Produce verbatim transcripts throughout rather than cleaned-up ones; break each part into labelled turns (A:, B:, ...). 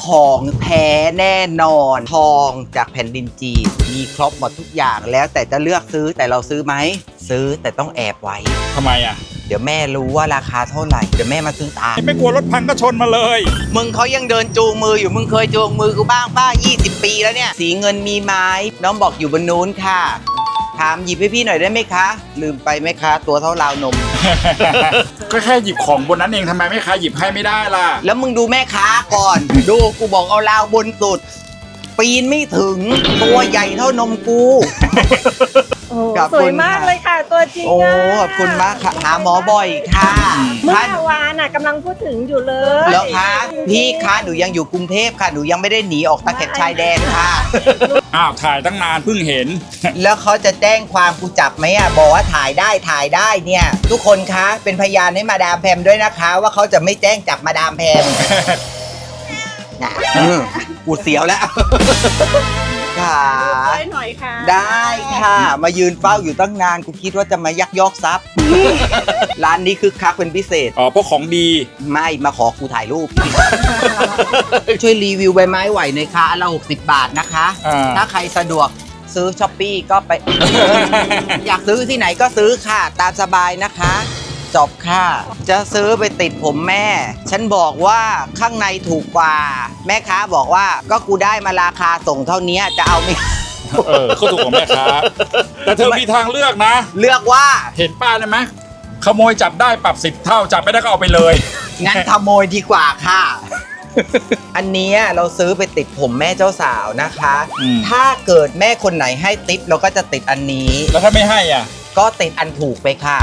A: ของแท้แน่นอนทองจากแผ่นดินจีนมีครบหมดทุกอย่างแล้วแต่จะเลือกซื้อแต่เราซื้อไหมซื้อแต่ต้องแอบไว้
B: ทำไมอ่ะ
A: เดี๋ยวแม่รู้ว่าราคาเท่าไหร่เดี๋ยวแม่มาซื้อตาม
B: ไม่กลัวรถพังก็ชนมาเลย
A: มึงเขายังเดินจูงมืออยู่มึงเคยจูงมือกูบ้างป้ายี่สิบปีแล้วเนี่ยสีเงินมีไหม้น้องบอกอยู่บนนู้นค่ะถามหยิบให้พี่หน่อยได้ไหมคะ ลืมไปไหมคะ ตัวเท่าราวนม
B: ก็แค่หยิบของบนนั้นเองทำไมไม่ค้าหยิบให้ไม่ได้ล่ะ
A: แล้วมึงดูแม่ค้าก่อน ดูกูบอกเอาราวบนสุด ปีนไม่ถึงตัวใหญ่เท่านมกู
C: โอ้
A: ขอบ
C: ส
A: คุ
C: วย
A: ณ
C: มาก
A: ค่ะ
C: เลยค่ะตัวจริง
A: โอ้
C: อะ
A: ขอบคุณมากค่ะหาหมอบ่อยค่ะ
C: เมื่
A: ท่าน
C: อวานน่ะกำลังพูดถึงอยู่เลย
A: แล้วคะพี่คะหนูยังอยู่กรุงเทพค่ะหนูยังไม่ได้หนีออกตะเข็บชายแดนค่ะ
B: อ้าวถ่ายตั้งนานเพิ่งเห็น
A: แล้วเขาจะแจ้งความกูจับไหมอ่ะบอกว่าถ่ายได้ถ่ายได้เนี่ย ทุกคนคะเป็นพยานให้มาดามแพมด้วยนะคะ ว่าเขาจะไม่แจ้งจับมาดามแพมนะอืมกูเสียวแล้วค่ะ
C: ช่วยหน่อยค่ะ
A: ได้ค่ะ มายืนเฝ้าอยู่ตั้งนานกูคิดว่าจะมายักยอกทรัพย์ ร้านนี้คึกคักเป็นพิเศษ
B: อ๋อพวกของดี
A: ไม่มาขอกูถ่ายรูป ช่วยรีวิวใบไม้ไหวหน่อยค่ะอันละหกสิบบาทนะคะ
B: อ่า
A: ถ้าใครสะดวกซื้อช้อปปี้ก็ไป อยากซื้อที่ไหนก็ซื้อค่ะ ตามสบายนะคะ จบค่ะ จะซื้อไปติดผมแม่ ฉันบอกว่าข้างในถูกกว่า แม่ค้าบอกว่าก็กูได้มาราคาส่งเท่านี้จะเอาไม่
B: เออเขาถูกของแม่ค้าแต่เธอมีทางเลือกนะ
A: เลือกว่า
B: เห็นป้าได้ไหมขโมยจับได้ปรับสิบเท่าจับไม่ได้ก็เอาไปเลย
A: งั้นขโมยดีกว่าค่ะ อันเนี้ยเราซื้อไปติดผมแม่เจ้าสาวนะคะ
B: อืม
A: ถ้าเกิดแม่คนไหนให้ติปเราก็จะติดอันนี้
B: แล้วถ้าไม่ให้อ่ะ
A: ก็ติดอันถูกไปค่ะ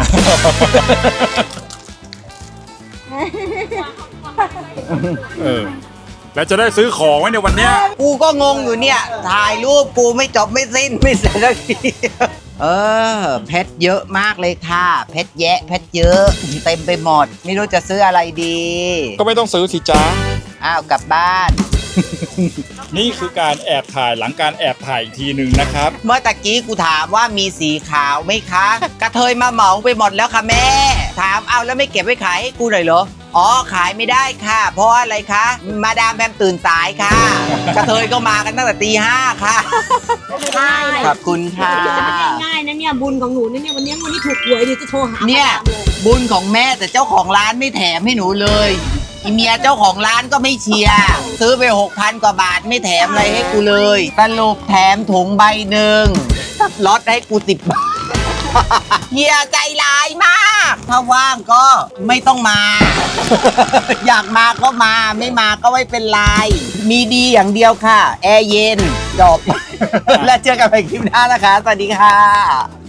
B: เออ แล้วจะได้ซื้อของไว้ในวันเนี้ย
A: กูก็งงอยู่เนี่ย ถ่ายรูปกูไม่จบไม่สิ้นไม่เสร็จสักที เออ เพชรเยอะมากเลยค่ะ เพชรแยะ เพชรเยอะ เต็มไปหมด ไม่รู้จะซื้ออะไรดี
B: ก็ไม่ต้องซื้อสิจ้า
A: อ้าว กลับบ้าน
B: นี่คือการแอบถ่ายหลังการแอบถ่ายอีกทีหนึ่งนะครับ
A: เมื่อตะกี้กูถามว่ามีสีขาวไหมคะ กระเทยมาเหมาไปหมดแล้วค่ะแม่ ถามเอาแล้วไม่เก็บไว้ขายให้กูหน่อยเหรอ อ๋อขายไม่ได้ค่ะ เพราะอะไรคะ มาดามแพมตื่นสายค่ะ กระเทยก็มากันตั้งแต่ตีห้าค่ะ
C: ใช่
A: ขอบคุณค่ะ
D: ง่ายๆนะเนี่ยบุญของหนูนะเนี่ยวันนี้วันนี้ถูกหวยเดี๋ยวจะโทรหา
A: เนี่ย
D: มาดามเลย
A: บุญของแม่แต่เจ้าของร้านไม่แถมให้หนูเลยอีเมียเจ้าของร้านก็ไม่เชียร์ซื้อไปหกพันกว่าบาทไม่แถมอะไรให้กูเลยสรุปแถมถุงใบหนึ่งลดให้กูสิบบาท เฮียใจร้ายมาก ถ้าว่างก็ไม่ต้องมา อยากมาก็มาไม่มาก็ไม่เป็นไร มีดีอย่างเดียวค่ะ แอร์เย็นจบ แล้วเจอกันใหม่คลิปหน้านะคะ สวัสดีค่ะ